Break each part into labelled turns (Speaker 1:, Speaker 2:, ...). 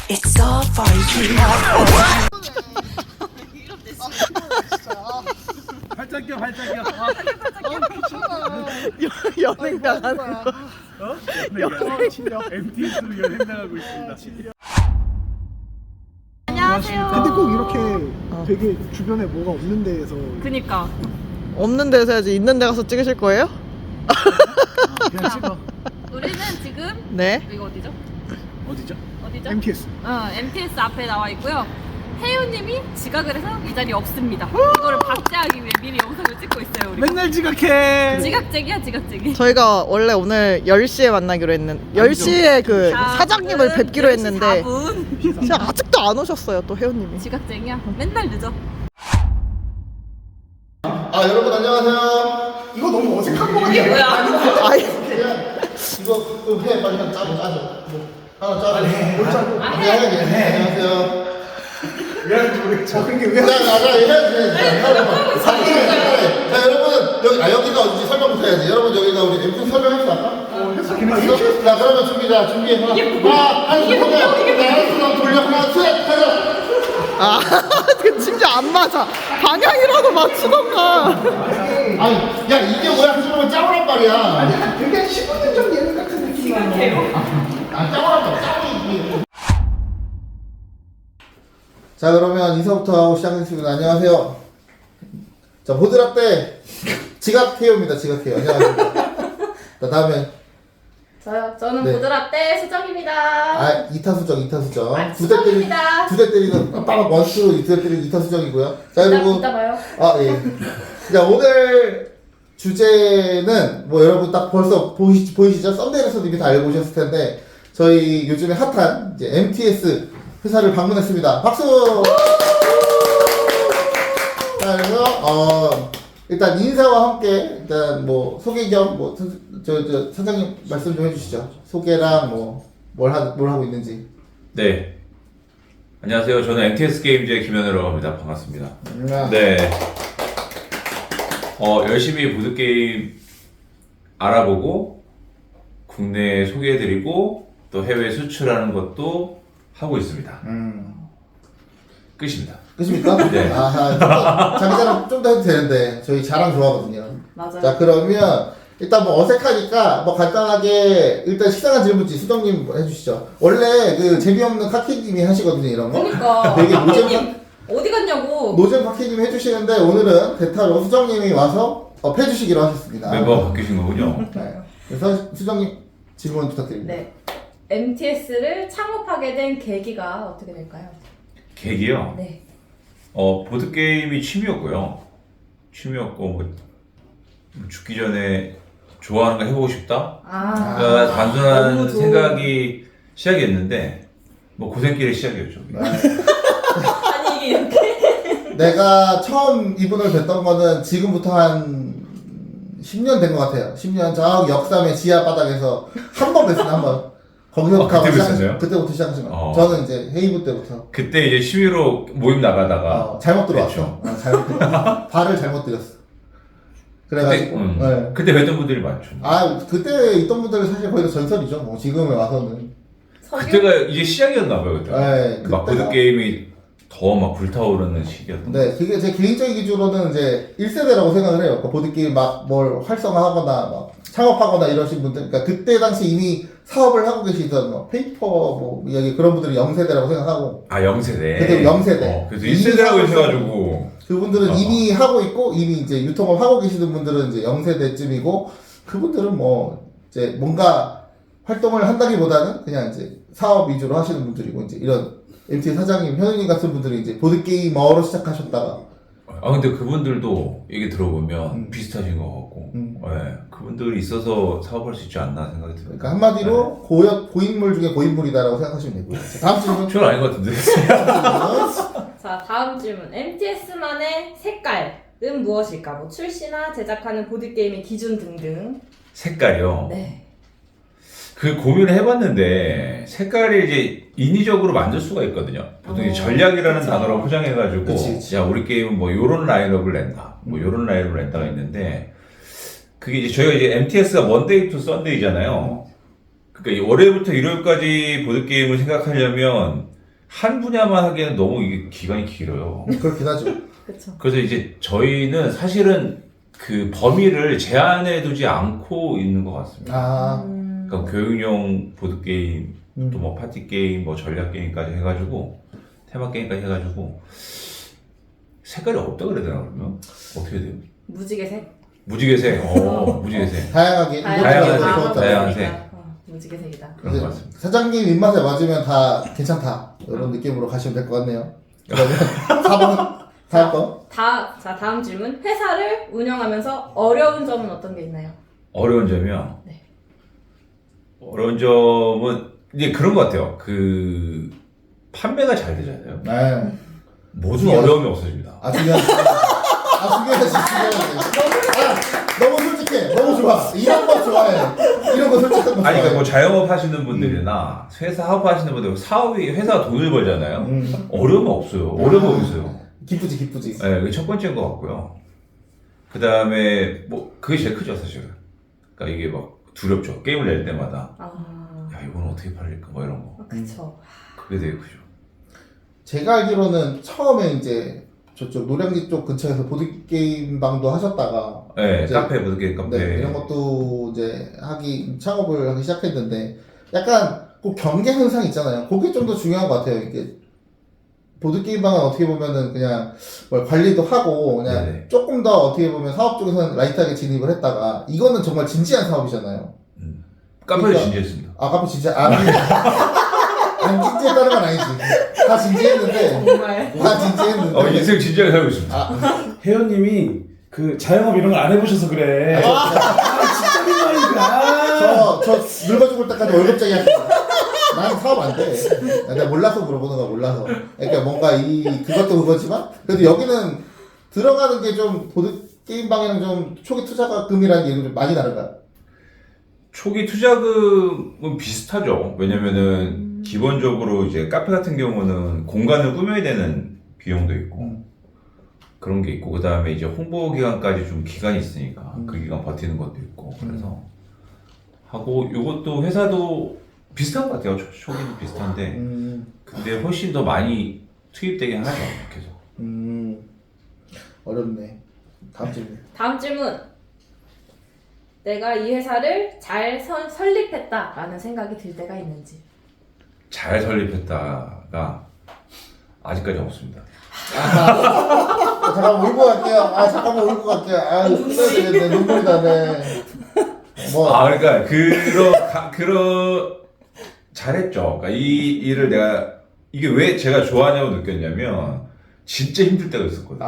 Speaker 1: It's all for you.
Speaker 2: 활짝 껴.
Speaker 3: 연행 당하는 거.
Speaker 2: MTS로 연행 당하고 있습니다.
Speaker 4: 안녕하세요.
Speaker 5: 근데 꼭 이렇게 되게 주변에 뭐가 없는 데에서
Speaker 4: 그니까
Speaker 3: 없는 데서 해야지. 있는 데 가서 찍으실 거예요?
Speaker 5: 그냥 찍어.
Speaker 4: 우리는 지금
Speaker 3: 네.
Speaker 4: 이거 어디죠?
Speaker 2: 어디죠?
Speaker 4: 어디죠?
Speaker 5: MTS.
Speaker 4: MTS 앞에 나와 있고요. 혜윤님이 지각을 해서 이 자리에 없습니다. 이거를 박제하기 위해 미리 영상을 찍고 있어요. 우리
Speaker 2: 맨날 지각해.
Speaker 4: 지각쟁이야 지각쟁이.
Speaker 3: 저희가 원래 오늘 10시에 만나기로 했는 10시에 그 사장님을 뵙기로 했는데
Speaker 4: 4분.
Speaker 3: 진짜 아직도 안 오셨어요. 또 혜원님이.
Speaker 4: 지각쟁이야. 맨날 늦어.
Speaker 6: 아 여러분 안녕하세요.
Speaker 5: 이거 너무 어색한 거
Speaker 4: 이게
Speaker 5: 같아.
Speaker 4: 뭐야?
Speaker 3: 아이,
Speaker 6: 그냥 이거 좀 해 빨리 한 짜줘. 뭐 하나 짜줘. 뭘 짜줘?
Speaker 4: 아,
Speaker 6: 네, 안녕하세요.
Speaker 5: 왜 하는지 모르겠어. 그게 왜
Speaker 6: 자 해야지. 자 여러분 여기가 어딘지 설명부터 해야지. 여러분 여기가 우리 MT 설명했어 아까? 했어? 자 그러면 준비 하나 하나 돌려 하나 셋 가자.
Speaker 3: 아, 그 진짜 안 맞아. 방향이라도 맞추던가.
Speaker 6: 아니 야 이게 뭐야 하시면 짜오란 말이야.
Speaker 5: 되게 15년 전 예능 같은 느낌이야.
Speaker 6: 짜오란 말 짜오. 자 그러면 인사부터 하고 시작하겠습니다. 안녕하세요. 자 보드랍대 지각해요입니다. 지각해요. 안녕하세요. 자 다음에
Speaker 4: 저는
Speaker 6: 네.
Speaker 4: 보드랍대 수정입니다.
Speaker 6: 아 이타수정.
Speaker 4: 아,
Speaker 6: 두 대
Speaker 4: 수정입니다.
Speaker 6: 때리는 빠박 원수 두 대 때리는 이타수정이고요. 자 그리고
Speaker 4: 이따 봐요.
Speaker 6: 아 예. 자 오늘 주제는 뭐 여러분 딱 벌써 보이시죠? 썸네일에서도 이미 다 알고 오셨을 텐데 저희 요즘에 핫한 이제 MTS 회사를 방문했습니다. 박수! 자, 그래서, 일단 인사와 함께, 일단 뭐, 소개 겸, 뭐, 선생님 말씀 좀 해주시죠. 소개랑 뭘 하고 있는지.
Speaker 7: 네. 안녕하세요. 저는 MTS 게임즈의 김현우라고 합니다. 반갑습니다. 네. 열심히 보드게임 알아보고, 국내에 소개해드리고, 또 해외 수출하는 것도 하고 있습니다. 끝입니다.
Speaker 6: 끝입니까?
Speaker 7: 네.
Speaker 6: 아하, 자기 자랑 좀 더 해도 되는데, 저희 자랑 좋아하거든요.
Speaker 4: 맞아요.
Speaker 6: 자, 그러면, 일단 뭐 어색하니까, 뭐 간단하게, 일단 식상한 질문지 수정님 해주시죠. 원래 그 재미없는 카키님이 하시거든요, 이런 거.
Speaker 4: 그러니까
Speaker 6: 되게
Speaker 4: 박혜님 어디 갔냐고.
Speaker 6: 노잼 카키님이 해주시는데, 오늘은 대타로 수정님이 와서 해주시기로 하셨습니다.
Speaker 7: 멤버가 바뀌신 거군요.
Speaker 6: 네. 그래서 수정님 질문 부탁드립니다.
Speaker 4: 네. MTS를 창업하게 된 계기가 어떻게 될까요?
Speaker 7: 계기요?
Speaker 4: 네.
Speaker 7: 보드게임이 취미였고요. 취미였고, 죽기 전에 좋아하는 거 해보고 싶다? 그러니까 단순한
Speaker 4: 너무 좋은-
Speaker 7: 생각이 시작이었는데, 뭐 고생길의 시작이었죠.
Speaker 4: 아니 이게 이렇게.
Speaker 6: 내가 처음 이분을 뵀던 거는 지금부터 한 10년 된 것 같아요. 10년 저 역삼의 지하 바닥에서 한 번 뵀어요, 한 번. 거기서
Speaker 7: 그때 뵀었어요?
Speaker 6: 그때부터 시작하신 거예요.
Speaker 7: 어.
Speaker 6: 저는 이제 헤이브 때부터
Speaker 7: 그때 이제 취미로 모임 나가다가,
Speaker 6: 잘못 들어왔어. 잘못 들어왔어. 발을 잘못 들였어. 그래가지고 네.
Speaker 7: 그때 뵀던 분들이 많죠.
Speaker 6: 그때 있던 분들은 사실 거의 다 전설이죠. 뭐 지금에 와서는.
Speaker 7: 그때가 이제 시작이었나봐요, 그때.
Speaker 6: 네,
Speaker 7: 막
Speaker 6: 그때가.
Speaker 7: 보드게임이 더 막 불타오르는 시기였던
Speaker 6: 네, 그게 제 개인적인 기준으로는 이제 1세대라고 생각을 해요. 그러니까 보드게임 막 뭘 활성화하거나 막 창업하거나 이러신 분들, 그러니까 그때 당시 이미 사업을 하고 계시던 뭐 페이퍼 뭐 여기 그런 분들이 0세대라고 생각하고
Speaker 7: 아, 0세대.
Speaker 6: 그때 0세대.
Speaker 7: 그래서 1세대라고 하셔가지고.
Speaker 6: 그분들은 이미 하고 있고 이미 이제 유통을 하고 계시는 분들은 이제 0세대쯤이고 그분들은 뭐 이제 뭔가 활동을 한다기보다는 그냥 이제 사업 위주로 하시는 분들이고 이제 이런 MT 사장님, 현우님 같은 분들이 이제 보드게이머로 시작하셨다가
Speaker 7: 근데 그분들도 얘기 들어보면 비슷하신 것 같고. 네, 그분들이 있어서 사업할 수 있지 않나 생각이 들어요.
Speaker 6: 그러니까 한마디로 고인물 중에 고인물이다라고 생각하시면 되고요. 자, 다음 질문.
Speaker 7: 저는 아닌 것 같은데.
Speaker 4: 자 다음 질문. MTS만의 색깔은 무엇일까? 뭐 출시나 제작하는 보드 게임의 기준 등등.
Speaker 7: 색깔이요.
Speaker 4: 네.
Speaker 7: 그 고민을 해봤는데 색깔이 이제 인위적으로 만들 수가 있거든요. 보통 이제 전략이라는
Speaker 4: 그쵸.
Speaker 7: 단어로 포장해가지고
Speaker 6: 그치.
Speaker 7: 야 우리 게임은 뭐 요런 라인업을 낸다, 뭐 요런 라인업을 낸다가 있는데 그게 이제 저희가 이제 MTS가 먼데이 투 썬데이잖아요. 그러니까 월요일부터 일요일까지 보드 게임을 생각하려면 한 분야만 하기에는 너무 이게 기간이 길어요.
Speaker 6: 그렇긴 하죠.
Speaker 4: 그쵸.
Speaker 7: 그래서 이제 저희는 사실은 그 범위를 제한해 두지 않고 있는 것 같습니다.
Speaker 6: 아,
Speaker 7: 그러니까 교육용 보드 게임, 또 뭐 파티 게임, 뭐 전략 게임까지 해가지고 테마 게임까지 해가지고 색깔이 없다 그래야 되나 그러면 어떻게 돼요?
Speaker 4: 무지개색?
Speaker 7: 무지개색, 무지개색.
Speaker 6: 다양하게
Speaker 7: 다양한
Speaker 6: 이것저것
Speaker 7: 색,
Speaker 6: 좋았다.
Speaker 7: 다양한 색.
Speaker 4: 무지개색이다.
Speaker 7: 그런 것 같습니다.
Speaker 6: 사장님 입맛에 맞으면 다 괜찮다 이런 느낌으로 가시면 될 것 같네요. 그러면 4번 다음 거.
Speaker 4: 자, 다음 질문. 회사를 운영하면서 어려운 점은 어떤 게 있나요?
Speaker 7: 어려운 점이요?
Speaker 4: 네.
Speaker 7: 어려운 점은 이제 그런 것 같아요. 그 판매가 잘 되잖아요.
Speaker 6: 네.
Speaker 7: 모든 어려움이 없어집니다.
Speaker 6: 아 중요하지. 너무 솔직해. 너무 좋아. 이런 거 좋아해. 이런 거 솔직한 거 좋아해.
Speaker 7: 아니 그러니까 뭐 자영업 하시는 분들이나 회사 사업하시는 분들 사업이 회사가 돈을 벌잖아요. 어려움이 없어요. 어려움이 없어요.
Speaker 6: 기쁘지.
Speaker 7: 네, 그게 첫 번째인 것 같고요. 그 다음에 뭐 그게 제일 크죠 사실은. 그러니까 이게 막 두렵죠. 게임을 낼 때마다 야 이건 어떻게 팔릴까 뭐 이런 거.
Speaker 4: 그쵸.
Speaker 7: 그게 되게 크죠.
Speaker 6: 제가 알기로는 처음에 이제 저쪽 노량진 쪽 근처에서 보드게임 방도 하셨다가
Speaker 7: 네,
Speaker 6: 이제
Speaker 7: 카페 보드게임 카페.
Speaker 6: 네, 이런 것도 이제 창업을 하기 시작했는데 약간 그 경계 현상 있잖아요. 그게 좀 더 중요한 것 같아요. 이게 보드게임 방은 어떻게 보면은 그냥 뭘 관리도 하고 그냥
Speaker 7: 네네.
Speaker 6: 조금 더 어떻게 보면 사업 쪽에서는 라이트하게 진입을 했다가 이거는 정말 진지한 사업이잖아요.
Speaker 7: 카페를
Speaker 6: 그러니까-
Speaker 7: 진지했습니다.
Speaker 6: 아 카페 진짜 안 진지했다는 건 아니지. 다 진지했는데
Speaker 4: 정말.
Speaker 6: 다 진지했는데
Speaker 7: 인생 진지하게 살고 있습니다.
Speaker 2: 혜연님이 그 자영업 이런 걸 안 해보셔서 그래. 진짜 민망이다.
Speaker 6: 저 늙어 죽을 때까지 월급쟁이 할게요. 난 사업 안 돼. 내가 몰라서 물어보는 거야, 몰라서. 그러니까 뭔가 그것도 그거지만, 그래도 여기는 들어가는 게 좀, 보드게임방에는 좀 초기 투자금이라는 게 좀 많이 다른가요?
Speaker 7: 초기 투자금은 비슷하죠. 왜냐면은 기본적으로 이제 카페 같은 경우는 공간을 꾸며야 되는 비용도 있고 그런 게 있고 그 다음에 이제 홍보 기간까지 좀 기간이 있으니까 그 기간 버티는 것도 있고 그래서 하고 요것도 회사도 비슷한 것 같아요. 초기는 비슷한데 근데 훨씬 더 많이 투입되긴 하죠. 계속.
Speaker 6: 어렵네. 다음 질문.
Speaker 4: 다음 질문. 내가 이 회사를 잘 설립했다라는 생각이 들 때가 있는지.
Speaker 7: 잘 설립했다가 아직까지 없습니다.
Speaker 6: 잠깐만 울고 갈게요. 잠깐만 울고 갈게요. 끝내야 되겠네. 눈물이 나네.
Speaker 7: 그러니까 잘했죠. 그러니까 이 일을 내가 이게 왜 제가 좋아하냐고 느꼈냐면 진짜 힘들 때가 있었거든요.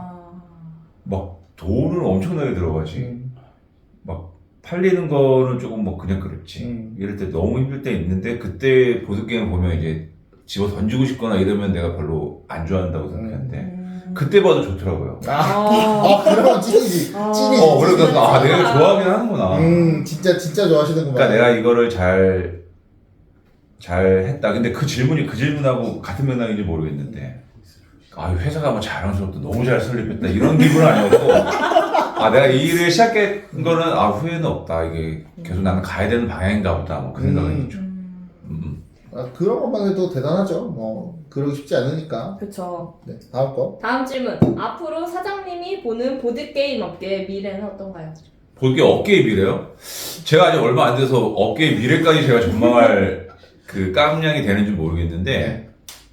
Speaker 7: 막 돈을 엄청나게 들어가지. 막 팔리는 거는 조금 뭐 그냥 그렇지. 이럴 때 너무 힘들 때 있는데 그때 보드게임 보면 이제 집어 던지고 싶거나 이러면 내가 별로 안 좋아한다고 생각했는데 그때 봐도 좋더라고요.
Speaker 6: 그러면 찐이지.
Speaker 7: 그러니까 내가 좋아하긴 하는구나.
Speaker 6: 진짜 좋아하시는구나.
Speaker 7: 그러니까 내가 이거를 잘 했다. 근데 그 질문하고 같은 맥락인지 모르겠는데, 회사가 뭐 자랑스럽다, 너무 잘 설립했다, 이런 기분은 아니었고, 내가 이 일을 시작한 거는, 후회는 없다. 이게 계속 나는 가야 되는 방향인가 보다. 뭐 그 생각은 있죠.
Speaker 6: 그런 것만 해도 대단하죠. 뭐, 그러기 쉽지 않으니까.
Speaker 4: 그쵸.
Speaker 6: 네, 다음 거.
Speaker 4: 다음 질문. 앞으로 사장님이 보는 보드게임 업계의 미래는 어떤가요?
Speaker 7: 보드게임 업계의 미래요? 제가 아직 얼마 안 돼서 업계의 미래까지 제가 전망할 그 깜냥이 되는지 모르겠는데,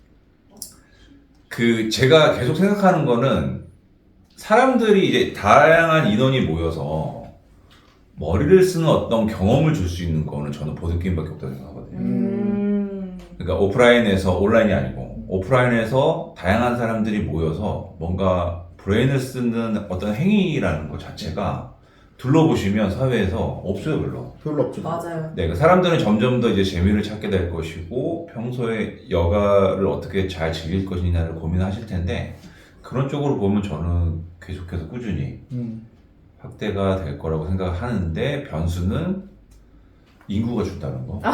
Speaker 7: 제가 계속 생각하는 거는 사람들이 이제 다양한 인원이 모여서 머리를 쓰는 어떤 경험을 줄 수 있는 거는 저는 보드게임밖에 없다고 생각하거든요. 그러니까 오프라인에서 온라인이 아니고 오프라인에서 다양한 사람들이 모여서 뭔가 브레인을 쓰는 어떤 행위라는 것 자체가 둘러보시면 사회에서 없어요, 별로
Speaker 6: 없죠.
Speaker 4: 맞아요.
Speaker 7: 네, 사람들은 점점 더 이제 재미를 찾게 될 것이고 평소에 여가를 어떻게 잘 즐길 것이냐를 고민하실 텐데 그런 쪽으로 보면 저는 계속해서 꾸준히 확대가 될 거라고 생각하는데 변수는 인구가 준다는 거.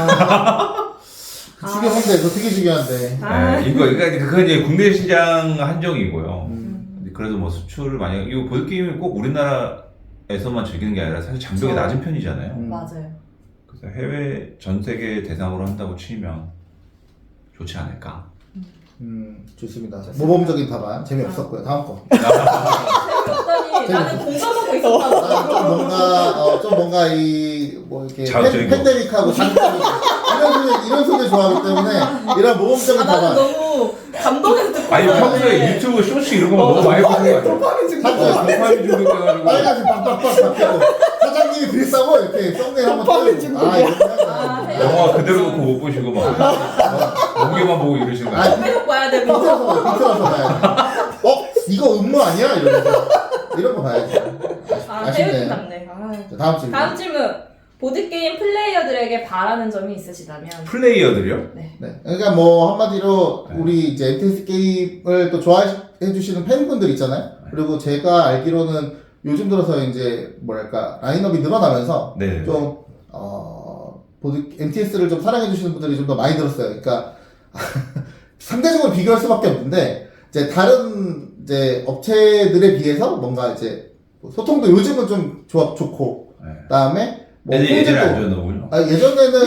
Speaker 6: 중요한데, 그거 되게 중요한데.
Speaker 7: 네, 그러니까 그건 이제 국내 시장 한정이고요. 그래도 뭐 수출을 많이 이거 보드게임이 꼭 우리나라에서만 즐기는 게 아니라 사실 장벽이 낮은 편이잖아요.
Speaker 4: 맞아요.
Speaker 7: 그래서 해외 전 세계 대상으로 한다고 치면 좋지 않을까.
Speaker 6: 좋습니다. 모범적인 답안 재미없었고요. 다음 거.
Speaker 4: 재미없다니 나는 공감하고 있었다고.
Speaker 6: 좀 뭔가 뭐 이렇게
Speaker 7: 자극적인 거.
Speaker 6: 팬데믹하고 자극적인 이런 소리 좋아하기 때문에 이런 모범적인
Speaker 4: 나는
Speaker 6: 답안.
Speaker 4: 너무 감동해서 듣고
Speaker 7: 아니
Speaker 4: 있었는데.
Speaker 7: 평소에 유튜브 쇼츠 이런 거 너무 많이 보는 거 아니야?
Speaker 5: 도파민 증거.
Speaker 7: 도파민 중독돼가지고.
Speaker 6: 빨간색 빡빡빡 바뀌고 사장님이 그랬다고 이렇게 썸네일 한번
Speaker 5: 도파민
Speaker 6: 뜨고
Speaker 5: 중독이야.
Speaker 7: 영화 그대로 놓고 못 보시고 막 공개만 보고 이러시는 거
Speaker 6: 아,
Speaker 7: 아니야?
Speaker 4: 계속 봐야 되고.
Speaker 6: 비틀어서 봐야 돼. 이거 음모 아니야? 이러면서 이런 거 봐야지. 아쉽네요.
Speaker 4: 해외 답네.
Speaker 6: 자, 다음 질문.
Speaker 4: 다음 질문. 보드게임 플레이어들에게 바라는 점이 있으시다면?
Speaker 7: 플레이어들이요?
Speaker 6: 네. 그러니까 뭐 한마디로
Speaker 7: 네.
Speaker 6: 우리 이제 MTS 게임을 또 좋아해 주시는 팬분들 있잖아요. 그리고 제가 알기로는 요즘 들어서 이제 뭐랄까 라인업이 늘어나면서
Speaker 7: 네.
Speaker 6: 좀 MTS를 좀 사랑해 주시는 분들이 좀 더 많이 들었어요. 그러니까 상대적으로 비교할 수밖에 없는데 이제 다른 이제 업체들에 비해서 뭔가 이제 소통도 요즘은 좀 좋고
Speaker 7: 네.
Speaker 6: 그다음에 뭐
Speaker 7: 예전에 안
Speaker 6: 품질도
Speaker 7: 좋았나군요.
Speaker 6: 예전에는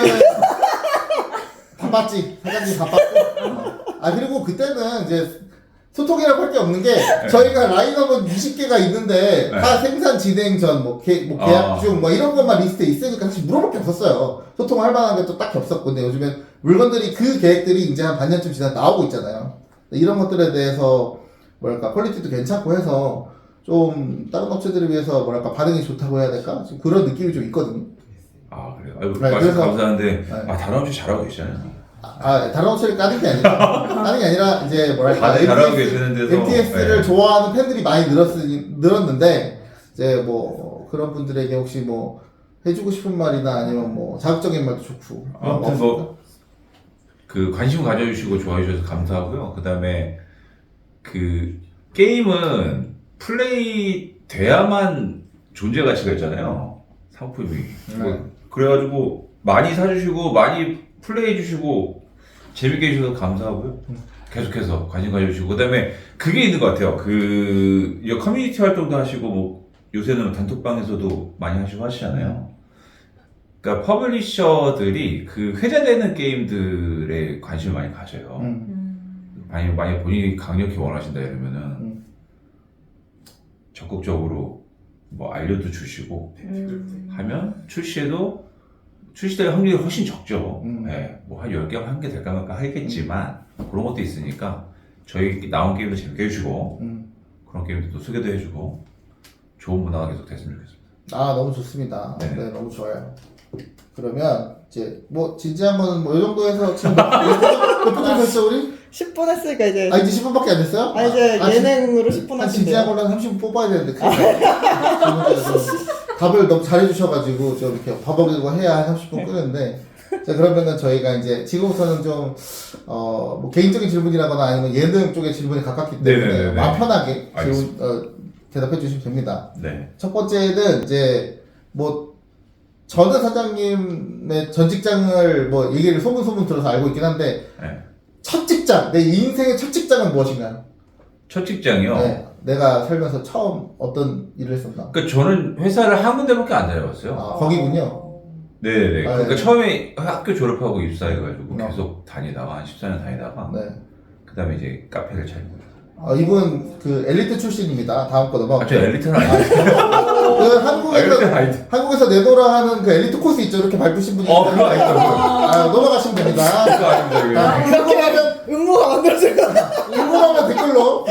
Speaker 6: 바빴지. 사장님 바빴고. 그리고 그때는 이제 소통이라고 할 게 없는 게 저희가 라인업은 20개가 있는데
Speaker 7: 네.
Speaker 6: 다 생산 진행 전, 뭐 계약 중, 뭐 이런 것만 리스트에 있으니까 사실 물어볼 게 없었어요. 소통할 만한 게 또 딱히 없었고. 근데 요즘엔 물건들이 그 계획들이 이제 한 반년쯤 지나 나오고 있잖아요. 이런 것들에 대해서 뭐랄까 퀄리티도 괜찮고 해서 좀 다른 업체들에 비해서 뭐랄까 반응이 좋다고 해야 될까? 좀 그런 느낌이 좀 있거든요.
Speaker 7: 아 그래요? 아이고,
Speaker 6: 네,
Speaker 7: 말씀
Speaker 6: 그래서-
Speaker 7: 감사한데
Speaker 6: 네.
Speaker 7: 다른 업체 잘하고 계시잖아요.
Speaker 6: 다른 업체를 까는 게 아니라, 까는 게 아니라, 이제 뭐랄까.
Speaker 7: 다들 잘하고 계시는 데서
Speaker 6: MTS를
Speaker 7: 네.
Speaker 6: 좋아하는 팬들이 많이 늘었는데, 이제 뭐, 그런 분들에게 혹시 뭐, 해주고 싶은 말이나 아니면 뭐, 자극적인 말도 좋고. 그런 거
Speaker 7: 아무튼
Speaker 6: 없습니까?
Speaker 7: 뭐 그 관심 가져주시고 좋아해 주셔서 감사하고요. 그 다음에 그 게임은 플레이 돼야만 존재 가치가 있잖아요. 상품이. 뭐 그래가지고 많이 사주시고 많이 플레이해 주시고 재밌게 해주셔서 감사하고요. 계속해서 관심 가져주시고 그 다음에 그게 있는 것 같아요. 그 이제 커뮤니티 활동도 하시고 뭐 요새는 단톡방에서도 많이 하시고 하시잖아요. 그러니까 퍼블리셔들이 그 회자되는 게임들에 관심을 많이 가져요. 만약 본인이 강력히 원하신다 이러면은 적극적으로 뭐 알려도 주시고 하면 출시될 확률이 훨씬 적죠. 네, 뭐 한 10개, 한 개 될까 말까 하겠지만 그런 것도 있으니까 저희 나온 게임도 재밌게 해주고 그런 게임도 소개도 해주고 좋은 문화가 계속 됐으면 좋겠습니다.
Speaker 6: 너무 좋습니다.
Speaker 7: 네.
Speaker 6: 네, 너무 좋아요. 그러면, 이제, 뭐, 진지한 거는 뭐, 이 정도에서 지금 몇 분 됐어, 우리?
Speaker 3: 10분 했으니까 이제
Speaker 6: 이제 10분밖에 안 됐어요?
Speaker 3: 이제 예능으로 10분
Speaker 6: 한 진지한
Speaker 3: 하신대요.
Speaker 6: 걸로 한 30분 뽑아야 되는데, 답을 너무 잘해주셔가지고, 좀 이렇게 버벅이고 해야 한 30분 끄는데, 자, 그러면은 저희가 이제, 지금부터는 좀, 뭐, 개인적인 질문이라거나 아니면 예능 쪽의 질문에 가깝기 때문에,
Speaker 7: 네네네네.
Speaker 6: 마음 편하게
Speaker 7: 알겠습니다.
Speaker 6: 대답해 주시면 됩니다.
Speaker 7: 네.
Speaker 6: 첫 번째는 이제 뭐 전은 사장님의 전 직장을 뭐 얘기를 소문 들어서 알고 있긴 한데
Speaker 7: 네.
Speaker 6: 첫 직장, 내 인생의 첫 직장은 무엇인가요?
Speaker 7: 첫 직장이요.
Speaker 6: 네, 내가 살면서 처음 어떤 일을 했었나?
Speaker 7: 그러니까 저는 회사를 한 군데밖에 안 다녀봤어요.
Speaker 6: 거기군요.
Speaker 7: 네네.
Speaker 6: 아,
Speaker 7: 그러니까
Speaker 6: 네.
Speaker 7: 처음에 학교 졸업하고 입사해가지고
Speaker 6: 어.
Speaker 7: 계속 다니다가 한 14년 다니다가
Speaker 6: 네.
Speaker 7: 그 다음에 이제 카페를 차리고.
Speaker 6: 이분 그 엘리트 출신입니다. 다음 거 넘어가.
Speaker 7: 저 엘리트는 아니에요.
Speaker 6: 그
Speaker 7: 엘리트는 아니죠.
Speaker 6: 한국에서 내노라 하는 그 엘리트 코스 있죠. 이렇게 밟으신 분이
Speaker 7: 그거 아니죠.
Speaker 6: 넘어가시면 됩니다.
Speaker 7: 그거 아닙니다.
Speaker 6: 궁금하면
Speaker 3: 음모가 만들어질 거야.
Speaker 6: 궁금하면 댓글로.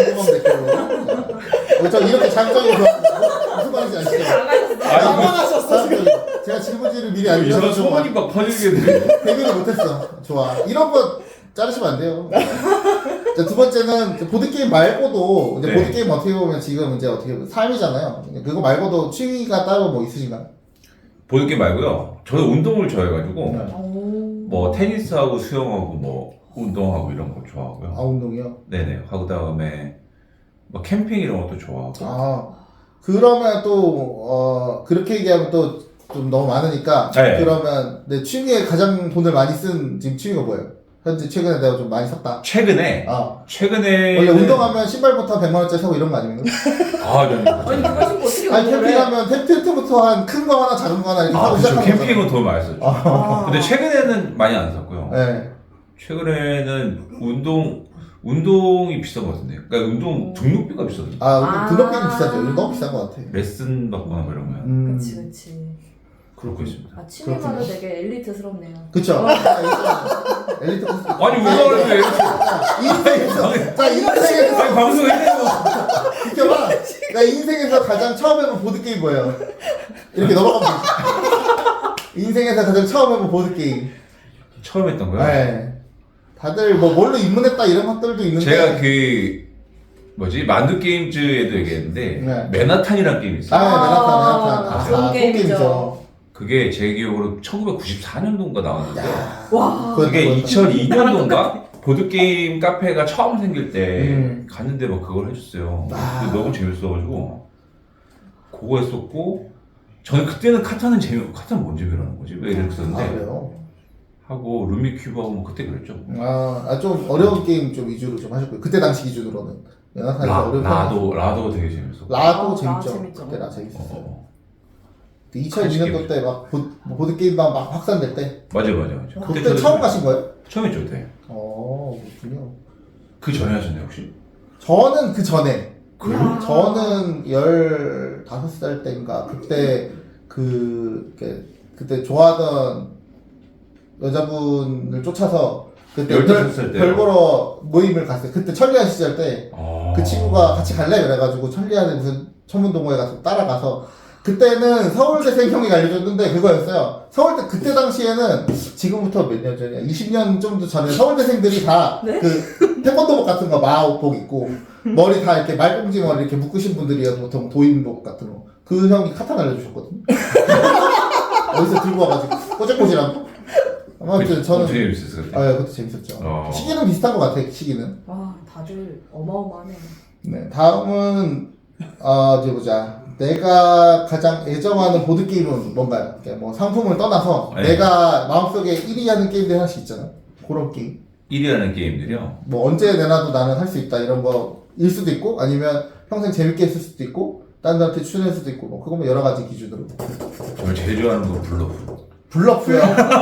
Speaker 6: 저 이렇게 장점이 좋아하는 무슨 말인지 아시죠?
Speaker 3: 당황하셨어 지금.
Speaker 6: 제가 질문지를 미리
Speaker 7: 이상한
Speaker 6: 알려줘서
Speaker 7: 소문이 막 퍼지게 돼.
Speaker 6: 데뷔를 못했어. 좋아. 이런 거 자르시면 안 돼요. 자, 두 번째는 보드게임 말고도 이제
Speaker 7: 네.
Speaker 6: 보드게임 어떻게 보면 지금 이제 어떻게 보면 삶이잖아요. 그거 말고도 취미가 따로 뭐 있으신가요?
Speaker 7: 보드게임 말고요. 저는 운동을 좋아해가지고
Speaker 6: 네.
Speaker 7: 뭐 테니스하고 수영하고 뭐 운동하고 이런 거 좋아하고요.
Speaker 6: 운동이요?
Speaker 7: 네네. 하고 다음에 뭐 캠핑 이런 것도 좋아하고.
Speaker 6: 그러면 또 그렇게 얘기하면 또 좀 너무 많으니까
Speaker 7: 네.
Speaker 6: 그러면 내 취미에 가장 돈을 많이 쓴 지금 취미가 뭐예요? 현재 최근에 내가 좀 많이 샀다.
Speaker 7: 최근에
Speaker 6: 원래 운동하면 신발부터 100만 원짜리 사고 이런 거 아닙니까?
Speaker 7: 저는
Speaker 4: 아니 그거 신고 어떻게
Speaker 6: 아니
Speaker 4: 운동을 해?
Speaker 6: 캠핑하면 텐트부터 한 큰 거 하나 작은 거 하나 이렇게 사고
Speaker 7: 그쵸.
Speaker 6: 시작하는
Speaker 7: 캠핑은 돈 많이 썼죠. 근데 최근에는 많이 안 샀고요.
Speaker 6: 네.
Speaker 7: 최근에는 운동이 비싼 것 같은데. 그러니까 운동 등록비가 비싸던데.
Speaker 6: 등록비는 비싸죠. 이거 너무 비싼 것 같아.
Speaker 7: 레슨 받거나 뭐 이런 거야.
Speaker 4: 그치.
Speaker 7: 그렇고 있습니다.
Speaker 4: 아, 취미마다 되게 엘리트스럽네요.
Speaker 6: 그쵸? 엘리트 코스.
Speaker 7: 아니 왜 그러는데?
Speaker 6: 인생에서
Speaker 7: 아니 방송에서
Speaker 6: 비켜봐. 나 인생에서 가장 처음 해본 보드게임 뭐예요? 이렇게 넘어가면 되지. 인생에서 가장 처음 해본 보드게임.
Speaker 7: 처음 했던 거야?
Speaker 6: 네. 다들 뭐 뭘로 입문했다 이런 것들도 있는데.
Speaker 7: 제가 그 뭐지 만두 게임즈에도 얘기했는데
Speaker 6: 네.
Speaker 7: 맨하탄이라는 게임이 있어요.
Speaker 6: 메나탄.
Speaker 4: 좋은 게임이죠.
Speaker 7: 그게 제 기억으로 1994년도인가 나왔는데
Speaker 4: 와.
Speaker 7: 그게 2002년도인가 보드게임 카페가 처음 생길 때 갔는데 막 그걸 해줬어요. 근데 너무 재밌어가지고 그거 했었고 저는 그때는 카타는 뭔 재미라는 거지? 왜 이렇게 썼는데
Speaker 6: 그래요?
Speaker 7: 하고 루미큐브하고 뭐 그때 그랬죠.
Speaker 6: 좀 어려운 게임 좀 위주로 좀 하셨고요. 그때 당시 기준으로는. 메나탄이 어려운
Speaker 7: 라도 되게 재밌었고
Speaker 6: 라도
Speaker 4: 라
Speaker 6: 재밌죠.
Speaker 4: 재밌죠.
Speaker 6: 그때 라 재밌었어요. 2002년도 때 막 보드게임방 막 확산될 때.
Speaker 7: 맞아.
Speaker 6: 그때 처음 가신 거예요?
Speaker 7: 처음이죠 그때.
Speaker 6: 그렇군요.
Speaker 7: 그 전에 하셨나요 혹시?
Speaker 6: 저는 그 전에.
Speaker 7: 그래요?
Speaker 6: 저는 15살 때인가 그때 그때 좋아하던 여자분을 쫓아서 그때
Speaker 7: 15살 때요?
Speaker 6: 별 보러 모임을 갔어요. 그때 천리안 시절 때 그 친구가 같이 갈래 그래가지고 천리안에 무슨 천문동호회 가서 따라가서 그때는 서울대생 형이 알려줬는데 그거였어요. 서울대 그때 당시에는 지금부터 몇 년 전이야? 20년 정도 전에 서울대생들이 다 그 태권도복 같은 거 마오복 입고 머리 다 이렇게 말꽁지 머리 이렇게 묶으신 분들이요. 보통 도인복 같은 거. 그 형이 카타나 알려주셨거든요. 어디서 들고 와가지고 꼬질꼬질한 거. 아무튼 저는
Speaker 7: 되게 재밌었어요.
Speaker 6: 그것도 재밌었죠. 시기는 비슷한 것 같아. 시기는.
Speaker 4: 와, 다들 어마어마하네.
Speaker 6: 네, 다음은 이제 보자. 내가 가장 애정하는 보드 게임은 뭔가요? 뭐 상품을 떠나서
Speaker 7: 네.
Speaker 6: 내가 마음속에 1위 하는 게임들 하나씩 있잖아. 그런 게임.
Speaker 7: 1위 하는 게임들이요.
Speaker 6: 뭐 언제 내놔도 나는 할 수 있다 이런 거일 수도 있고 아니면 평생 재밌게 했을 수도 있고 딴 데한테 추천할 수도 있고 뭐 그거 뭐 여러 가지 기준으로.
Speaker 7: 저는 제일 좋아하는 건 블러프.
Speaker 6: 블러프요.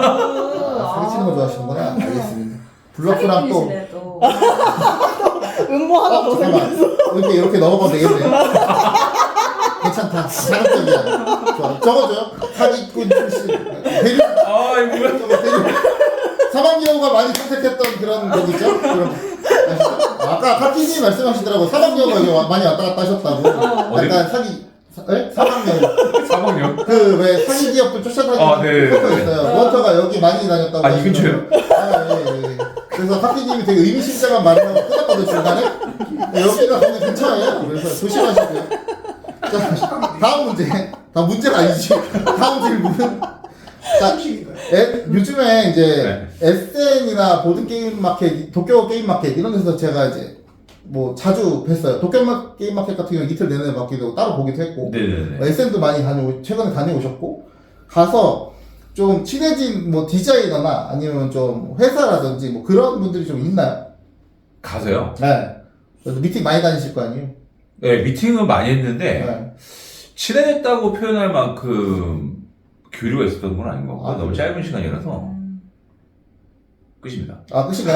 Speaker 6: 사기치는 거 좋아하시는구나. 알겠습니다. 블러프랑 또
Speaker 4: 사기꾼이시네, 또.
Speaker 3: 음모 하나 더
Speaker 6: 잠깐만. 이렇게 넘어가면 되겠네. 괜찮다. 자극적이야. 좋아. 적어줘요. 사기꾼 출신. 대륙.
Speaker 7: 이거 뭐야?
Speaker 6: 사막여우가 많이 선택했던 그런 거겠죠? 그럼 아시죠? 아까 카티님 말씀하시더라고. 사막여우가 많이 왔다 갔다 하셨다고. 약간 사막여우.
Speaker 7: 사막여우?
Speaker 6: 그 왜 사기 기업들 쫓아다니는
Speaker 7: 네.
Speaker 6: 그거 있어요. 원터가 여기 많이 다녔다고.
Speaker 7: 이 근처요?
Speaker 6: 예. 그래서 카티님이 되게 의미심장한 말을 하고 끊었거든 중간에. 여기가 거기 근처예요. 그래서 조심하시고요. 자, 다음 문제. 다음 문제가 아니지. 다음 질문. 자, 요즘에 이제 SN이나 보드 게임 마켓, 도쿄 게임 마켓 이런 데서 제가 이제 뭐 자주 뵀어요. 도쿄 게임 마켓 같은 경우는 이틀 내내 받기도 하고 따로 보기도 했고.
Speaker 7: 네네네.
Speaker 6: SN도 많이 최근에 다녀오셨고 가서 좀 친해진 뭐 디자이너나 아니면 좀 회사라든지 뭐 그런 분들이 좀 있나요?
Speaker 7: 가서요?
Speaker 6: 네. 그래서 미팅 많이 다니실 거 아니에요?
Speaker 7: 네, 미팅은 많이 했는데
Speaker 6: 네.
Speaker 7: 친해졌다고 표현할 만큼 교류가 있었던 건 아닌 것 같고 너무 짧은 시간이라서 끝입니다.
Speaker 6: 끝인가요?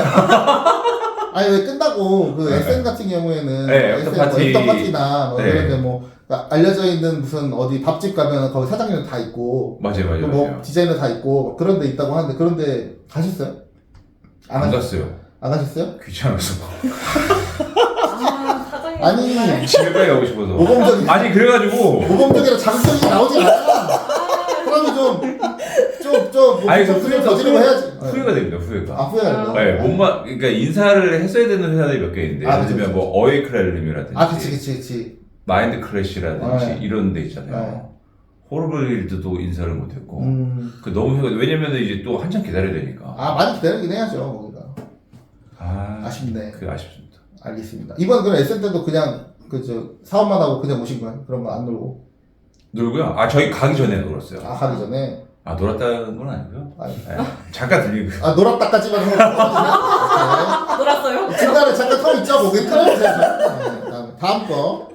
Speaker 6: 아니 왜 끝나고 그 SN 같은 경우에는
Speaker 7: 애프터 파티.
Speaker 6: 애프터 파티나 뭐
Speaker 7: 네.
Speaker 6: 그런데 뭐 알려져 있는 무슨 어디 밥집 가면 거기 사장님 다 있고
Speaker 7: 맞아요.
Speaker 6: 또 뭐 디자이너 다 있고 그런 데 있다고 하는데 그런데 가셨어요?
Speaker 7: 안 갔어요.
Speaker 6: 안 가셨어요?
Speaker 7: 귀찮아서.
Speaker 4: 사장님.
Speaker 6: 아니
Speaker 7: 집에 빨리 가고 싶어서.
Speaker 6: 모범적인
Speaker 7: 아니 그래가지고
Speaker 6: 모범적이라 자극적이 나오지 않아. 그러면 좀
Speaker 7: 아니 그
Speaker 6: 후회를 저지르고 해야지.
Speaker 7: 후회가 됩니다. 후회가.
Speaker 6: 후회가 된다.
Speaker 7: 네, 그러니까 인사를 했어야 되는 회사들이 몇 개 있는데 예를
Speaker 6: 그치,
Speaker 7: 들면 뭐 어웨이크랄름이라든지
Speaker 6: 그치.
Speaker 7: 마인드 크래시라든지
Speaker 6: 네.
Speaker 7: 이런 데 있잖아요. 호르블일드도 인사를 못했고 그 너무 왜냐면은 이제 또 한참 기다려야 되니까.
Speaker 6: 많이 기다리긴 해야죠 거기가. 아쉽네.
Speaker 7: 그 아쉽습니다.
Speaker 6: 알겠습니다. 이번 그럼 SN 때도 그냥 사업만 하고 그냥 오신 거예요? 그런 거 안 놀고?
Speaker 7: 놀고요. 저희 가기 전에 놀았어요.
Speaker 6: 가기 전에?
Speaker 7: 놀았다는 건 아니고요.
Speaker 6: 아니.
Speaker 7: 잠깐 들리고.
Speaker 6: 놀았다까지만 하고.
Speaker 4: 놀았어요?
Speaker 6: 중간에 잠깐 텀 있죠? 거기 다음 거.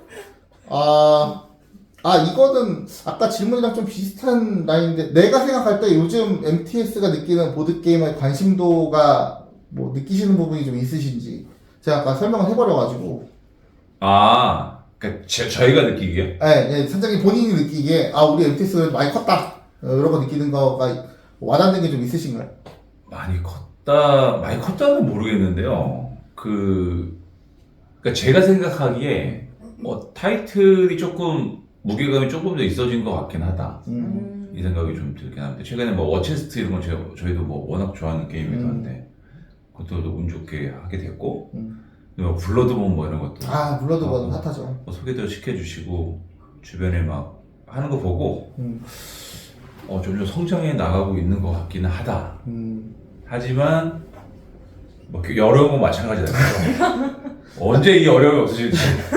Speaker 6: 이거는 아까 질문이랑 좀 비슷한 라인인데 내가 생각할 때 요즘 MTS가 느끼는 보드게임의 관심도가 뭐 느끼시는 부분이 좀 있으신지 제가 아까 설명을 해버려가지고
Speaker 7: 그러니까 저희가 느끼기에
Speaker 6: 네, 선장님 본인이 느끼기에 우리 MTS 많이 컸다 이런 거 느끼는 거가 와닿는 게 좀 있으신가요?
Speaker 7: 많이 컸다는 모르겠는데요. 그러니까 제가 생각하기에 타이틀이 조금 무게감이 조금 더 있어진 것 같긴 하다. 이 생각이 좀 들긴 합니다. 최근에 뭐 워체스트 이런 건 저희도 뭐 워낙 좋아하는 게임이기도 한데 그것도 운 좋게 하게 됐고 뭐 블러드본 뭐 이런 것도
Speaker 6: 블러드본은 핫하죠.
Speaker 7: 뭐 소개도 시켜주시고 주변에 막 하는 거 보고 점점 성장해 나가고 있는 것 같기는 하다. 하지만 뭐 어려운 건 마찬가지다. 언제 이 어려움이 없어질지.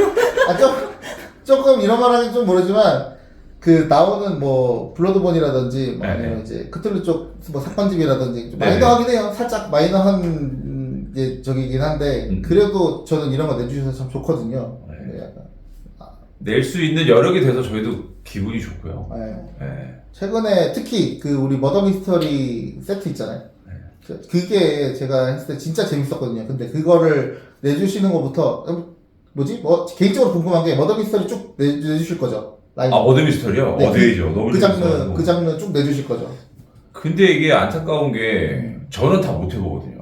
Speaker 6: 조금 이런 말 하긴 좀 모르지만 나오는 뭐 블러드본이라든지 뭐 아니면 이제 크툴루 쪽 뭐 사건집이라든지 좀 마이너하긴 해요. 살짝 마이너한 저기긴 한데 그래도 저는 이런 거 내주셔서 참 좋거든요. 약간
Speaker 7: 낼 수 있는 여력이 돼서 저희도 기분이 좋고요.
Speaker 6: 네. 최근에 특히 우리 머더 미스터리 세트 있잖아요. 그게 제가 했을 때 진짜 재밌었거든요. 근데 그거를 내주시는 것부터 개인적으로 궁금한 게 머더 미스터리 쭉 내주실 거죠? 라이브.
Speaker 7: 머더 미스터리요?
Speaker 6: 네,
Speaker 7: 어디죠? 너무
Speaker 6: 그 장르 쭉 내주실 거죠?
Speaker 7: 근데 이게 안타까운 게 저는 다 못 해보거든요.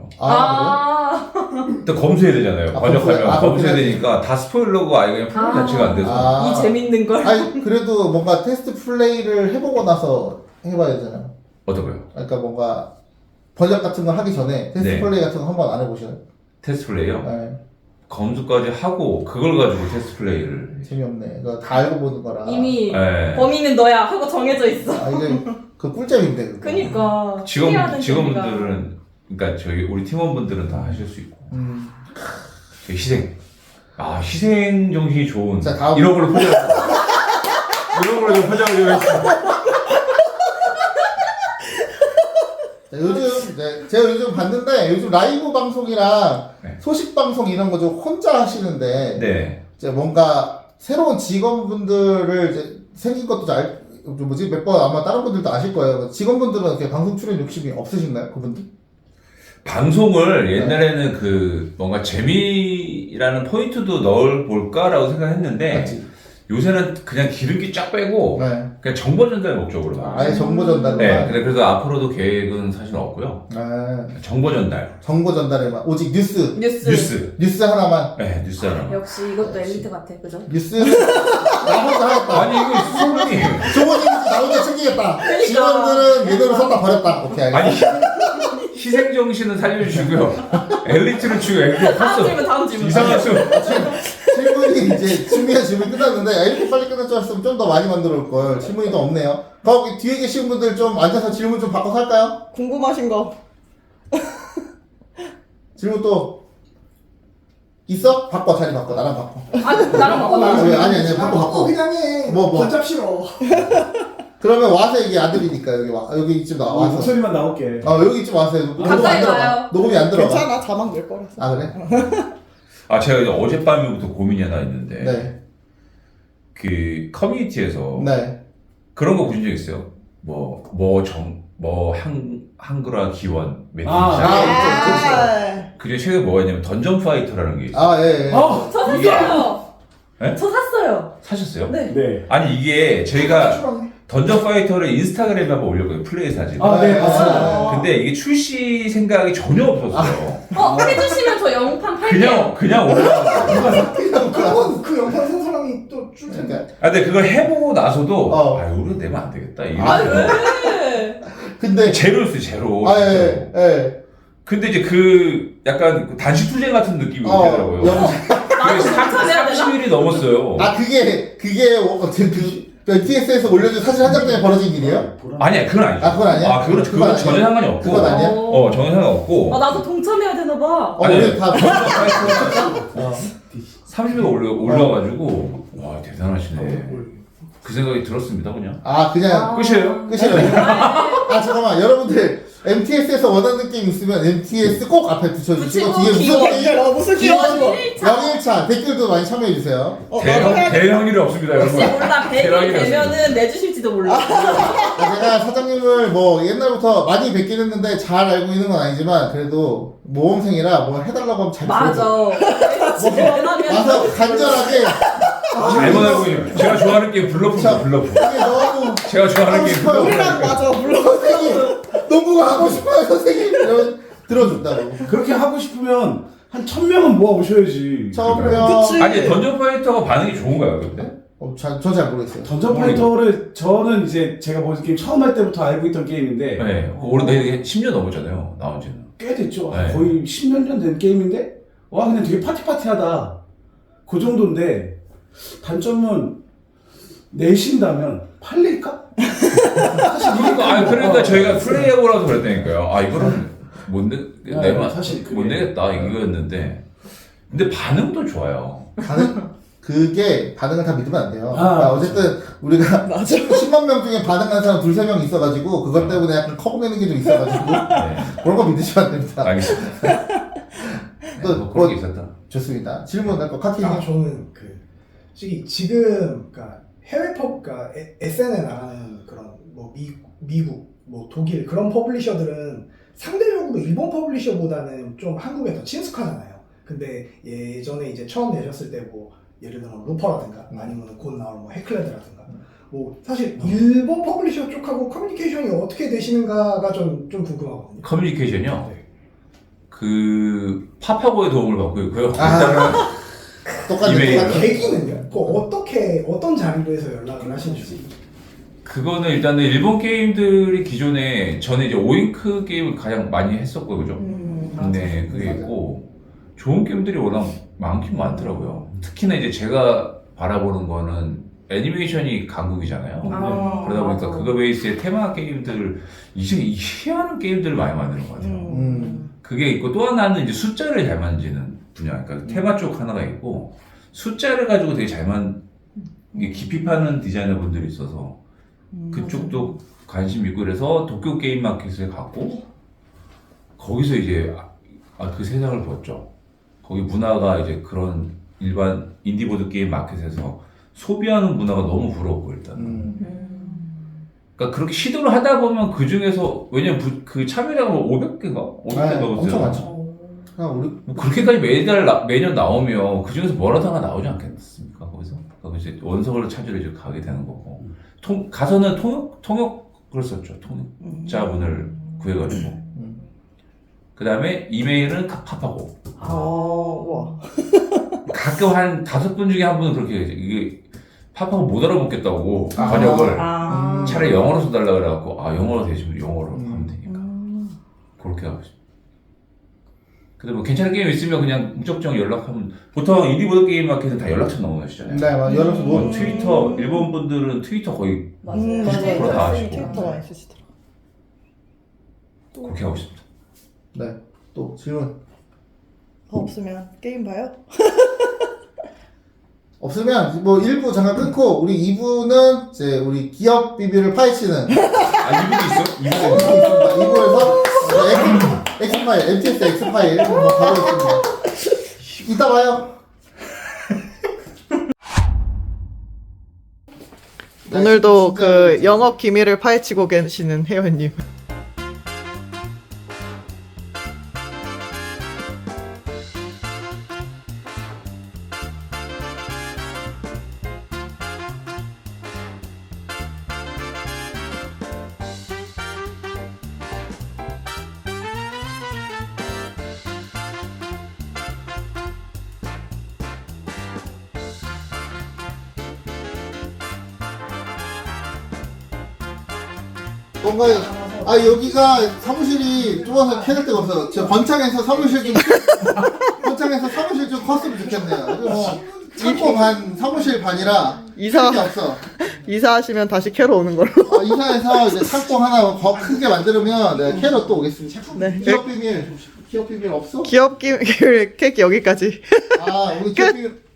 Speaker 7: 일단 검수해야 되잖아요. 번역하면 검수해야 되니까 다 스포일러고 그냥 플레이 자체가 안 돼서.
Speaker 4: 이 재밌는 걸.
Speaker 6: 그래도 뭔가 테스트 플레이를 해보고 나서 해봐야 되잖아요.
Speaker 7: 어떤 거요?
Speaker 6: 그러니까 뭔가 번역 같은 거 하기 전에 테스트 플레이 같은 거 한번 안 해보셔요?
Speaker 7: 테스트 플레이요?
Speaker 6: 네.
Speaker 7: 검수까지 하고 그걸 가지고 테스트 플레이를.
Speaker 6: 재미없네. 그거 다 알고 보는 거라.
Speaker 4: 이미 범인은 너야 하고 정해져 있어.
Speaker 6: 이게 꿀잼인데. 그거.
Speaker 4: 그니까.
Speaker 7: 직원분들은 그러니까 우리 팀원분들은 다 하실 수 있고. 희생. 희생 정신이 좋은.
Speaker 6: 자, 다음.
Speaker 7: 이런 걸로 포장. 이런 걸로 좀 포장을 좀 했어.
Speaker 6: 제가 요즘 봤는데 요즘 라이브 방송이랑 소식 방송 이런 거 좀 혼자 하시는데 이제 뭔가 새로운 직원분들을 이제 생긴 것도 몇 번 아마 다른 분들도 아실 거예요. 직원분들은 이렇게 방송 출연 욕심이 없으신가요, 그분들?
Speaker 7: 방송을 옛날에는 뭔가 재미라는 포인트도 넣어볼까라고 생각했는데
Speaker 6: 맞지?
Speaker 7: 요새는 그냥 기름기 쫙 빼고 그냥 정보 전달 목적으로.
Speaker 6: 아예 정보 전달로.
Speaker 7: 그래서 앞으로도 계획은 사실 없고요. 정보 전달.
Speaker 6: 정보 전달에만 오직 뉴스 하나만.
Speaker 7: 네, 뉴스 하나만.
Speaker 4: 역시 이것도 엘리트 같아, 그죠?
Speaker 6: 뉴스는 나 혼자 하겠다.
Speaker 7: 아니 이거 수석님.
Speaker 6: 좋은 이미지 나 혼자 챙기겠다. 직원들은 얘대로 썼다 버렸다. 오케이 알겠어.
Speaker 7: 희생 정신은 살려주시고요. 엘리트를 주고 엘리트
Speaker 4: 다음 질문.
Speaker 7: 이상한 수.
Speaker 6: 질문이 이제 준비한 질문이 끝났는데 이렇게 빨리 끝날 줄 알았으면 좀 더 많이 만들어 올 걸. 질문이 더 없네요. 거기 뒤에 계신 분들 좀 앉아서 질문 좀 바꿔서 할까요?
Speaker 3: 궁금하신 거.
Speaker 6: 질문 또 있어? 바꿔 자리 바꿔 나랑 바꿔.
Speaker 4: 나랑 바꿔.
Speaker 6: 아니 바꿔.
Speaker 5: 그냥 해.
Speaker 6: 뭐.
Speaker 5: 번잡 싫어.
Speaker 6: 그러면 와서 이게 안 들리니까 여기 이쯤 와서.
Speaker 2: 목소리만 나올게.
Speaker 6: 여기 이쯤 와서
Speaker 4: 가까이 와요.
Speaker 6: 녹음이 안 들어가.
Speaker 3: 괜찮아, 자막 낼 거라서.
Speaker 6: 그래?
Speaker 7: 제가 이제 어젯밤부터 고민이 하나 있는데
Speaker 6: 네.
Speaker 7: 커뮤니티에서 그런 거 보신 적 있어요? 한글화 기원 그리고 최근에 뭐가 있냐면 던전 파이터라는 게 있어요.
Speaker 6: 예.
Speaker 4: 저 샀어요.
Speaker 7: 네?
Speaker 4: 저 샀어요.
Speaker 7: 사셨어요?
Speaker 4: 네.
Speaker 7: 아니 이게 저희가 던전 파이터를 인스타그램에 한번 올렸거든요. 플레이 사진.
Speaker 2: 네, 맞습니다.
Speaker 7: 근데 이게 출시 생각이 전혀 없었어요.
Speaker 4: 해주시면 저 영판 팔게요.
Speaker 7: 그냥 올라갔어요.
Speaker 5: 그러면 그 영상 산 사람이 또 줄 텐데.
Speaker 7: 근데 그걸 해보고 나서도 우리가 내면 안 되겠다.
Speaker 4: 왜?
Speaker 6: 근데
Speaker 7: 제로였어요, 제로.
Speaker 6: 예.
Speaker 7: 근데 이제 약간 단식 투쟁 같은 느낌이 오더라고요. 그게 30일이 넘었어요.
Speaker 6: 그게 BTS에서 올려준 사진 한 장 때문에 벌어진 일이에요?
Speaker 7: 아니야, 그건 아니죠.
Speaker 6: 그건 아니야?
Speaker 7: 그건 전혀 상관이 없고.
Speaker 6: 그건 아니야?
Speaker 7: 전혀 상관없고.
Speaker 4: 나도 동참해야 되나봐.
Speaker 6: 우리 다
Speaker 7: 30일 올라가지고, 와, 대단하시네. 그 생각이 들었습니다, 그냥.
Speaker 6: 그냥
Speaker 7: 끝이에요?
Speaker 6: 잠깐만 여러분들 MTS에서 원하는 게임 있으면 MTS 꼭 앞에 붙여주시고
Speaker 4: 붙이고
Speaker 6: 뒤에
Speaker 4: 기원.
Speaker 6: 무슨 게임
Speaker 3: 무슨
Speaker 6: 기원
Speaker 4: 기원.
Speaker 6: 01차 댓글도 많이 참여해주세요.
Speaker 7: 대형 일이 없습니다,
Speaker 4: 혹시
Speaker 7: 여러분.
Speaker 4: 몰라 100일
Speaker 7: 대박이다,
Speaker 4: 되면은 내주실지도 몰라.
Speaker 6: 제가 사장님을 뭐 옛날부터 많이 뵙긴 했는데 잘 알고 있는 건 아니지만 그래도 모험생이라 뭐 해달라고 하면 잘
Speaker 4: 맞아. 지금 원하면
Speaker 6: 와서 간절하게
Speaker 7: 잘못 알고 있는. 제가 좋아하는 게임 블러프입니다, 블러프.
Speaker 6: 이게 너무
Speaker 7: 제가 좋아하는 게임 블러프.
Speaker 3: 우리랑 맞아 물론.
Speaker 6: 선생님 농구가 하고 싶어요 선생님 이러면 들어준다고.
Speaker 2: 그렇게 하고 싶으면 한 1000명은 모아보셔야지.
Speaker 6: 처음이요.
Speaker 3: 그치.
Speaker 7: 아니 던전 파이터가 반응이 좋은가요, 근데?
Speaker 6: 전 잘 모르겠어요.
Speaker 2: 던전 파이터를 저는 이제 제가 보는 게임 처음 할 때부터 알고 있던 게임인데
Speaker 7: 네, 오래 10년 넘었잖아요, 나온 지는.
Speaker 2: 꽤 됐죠.
Speaker 7: 네.
Speaker 2: 거의 10몇 년 된 게임인데 와 그냥 되게 파티파티하다. 그 정도인데 단점은 내신다면 팔릴까? 사실
Speaker 7: 그러니까 저희가 플레이해보라고 그랬다니까요. 아, 이거는 못 내면
Speaker 2: 사실 그게-
Speaker 7: 못 내겠다 이거였는데. 근데 반응도 좋아요.
Speaker 6: 그게 반응을 다 믿으면 안 돼요.
Speaker 2: 아,
Speaker 6: 그러니까 어쨌든 우리가 10만 명 중에 반응한 사람 2-3명 있어가지고 그것 때문에 약간 커버내는 게 좀 있어가지고
Speaker 7: 네,
Speaker 6: 그런 거 믿으시면 안 됩니다.
Speaker 7: 알겠습니다.
Speaker 6: 또
Speaker 7: 뭐 그런 게 있었다.
Speaker 6: 좋습니다. 질문 할거 카키님.
Speaker 5: 저는 솔직히 지금 해외 그러니까 SN에 나가는 그런 뭐 미국, 뭐 독일 그런 퍼블리셔들은 상대적으로 일본 퍼블리셔보다는 좀 한국에 더 친숙하잖아요. 근데 예전에 이제 처음 내셨을 때 뭐 예를 들면 루퍼라든가 아니면 곧 나올 뭐 해클레드라든가 뭐 사실 일본 퍼블리셔 쪽하고 커뮤니케이션이 어떻게 되시는가가 좀 궁금하거든요.
Speaker 7: 커뮤니케이션이요?
Speaker 5: 네.
Speaker 7: 그 파파고의 도움을 받고 있고요.
Speaker 6: 똑같이
Speaker 7: 이메일.
Speaker 6: 똑같이.
Speaker 5: 계기는요? 어떤 자리로 해서 연락을 하시는지.
Speaker 7: 그거는 일단은 일본 게임들이 기존에 저는 이제 오잉크 게임을 가장 많이 했었고 그죠? 근데 그게 있고 좋은 게임들이 워낙 많긴 많더라고요. 특히나 이제 제가 바라보는 거는 애니메이션이 강국이잖아요.
Speaker 4: 아,
Speaker 7: 그러다 보니까
Speaker 4: 맞아.
Speaker 7: 그거 베이스의 테마 게임들 이제 희한한 게임들을 많이 만드는 것 같아요. 그게 있고 또 하나는 이제 숫자를 잘 만지는 분야. 그러니까 테마 쪽 하나가 있고 숫자를 가지고 되게 이게 깊이 파는 디자이너 분들이 있어서 그쪽도 관심 있고 그래서 도쿄 게임 마켓에 갔고 거기서 이제 그 세상을 봤죠. 거기 문화가 이제 그런 일반 인디보드 게임 마켓에서 소비하는 문화가 너무 부럽고 일단. 그러니까 그렇게 시도를 하다 보면 그 중에서 왜냐면 그 참여자가 500개인가? 500개 넘었어요.
Speaker 6: 엄청 많죠. 우리
Speaker 7: 뭐 그렇게까지 매년 나오면 그 중에서 뭐라도 하나 나오지 않겠습니까? 거기서 이제 원석을 찾으러 이제 가게 되는 거고 가서는 통역을 썼죠. 통역자분을 구해가지고 그 다음에 이메일은 팝하고
Speaker 3: 와.
Speaker 7: 가끔 한 5분 중에 한 분은 그렇게 이게 팝하고 못 알아먹겠다고 번역을 차라리 영어로 써달라 그래갖고 영어로 되시면 영어로 하면 되니까 그렇게 하고 싶어요. 근데 뭐 괜찮은 게임 있으면 그냥 무작정 연락하면 보통 인디보드 게임 마켓은 다 연락처 넣어놓으시잖아요.
Speaker 6: 네, 연락처
Speaker 7: 뭐
Speaker 6: 뭐
Speaker 7: 트위터 일본 분들은 트위터 거의
Speaker 4: 맞아요.
Speaker 7: 90% 다 하시고
Speaker 3: 트위터 많이 쓰시더라.
Speaker 7: 그렇게 하고 싶다.
Speaker 6: 네. 또 질문
Speaker 3: 없으면 게임 봐요?
Speaker 6: 없으면 뭐 1부 잠깐 끊고 우리 2부는 이제 우리 기업 비비를 파헤치는
Speaker 7: 이분도 있어? 이분도 있어?
Speaker 6: 있습니다. 2부에서 X파일, MTS X파일 한번 가보겠습니다. 이따 봐요.
Speaker 3: 오늘도 그 영업 기밀을 파헤치고 계시는 회원님.
Speaker 6: 뭔가 여기가 사무실이 좁아서 해낼 데가 없어요. 저 번창에서 사무실 좀 컸으면 좋겠네요. 뭐 창고 반 사무실 반이라
Speaker 3: 이사-
Speaker 6: 게 없어.
Speaker 3: 이사하시면 다시 캐러 오는 걸로.
Speaker 6: 이사해서 이제 창고 하나 더 크게 만들면 내가 캐러 또 오겠습니다.
Speaker 3: 네.
Speaker 6: 기업 비밀 없어?
Speaker 3: 기업 기밀 캐기 여기까지.
Speaker 6: 우리 기업 비밀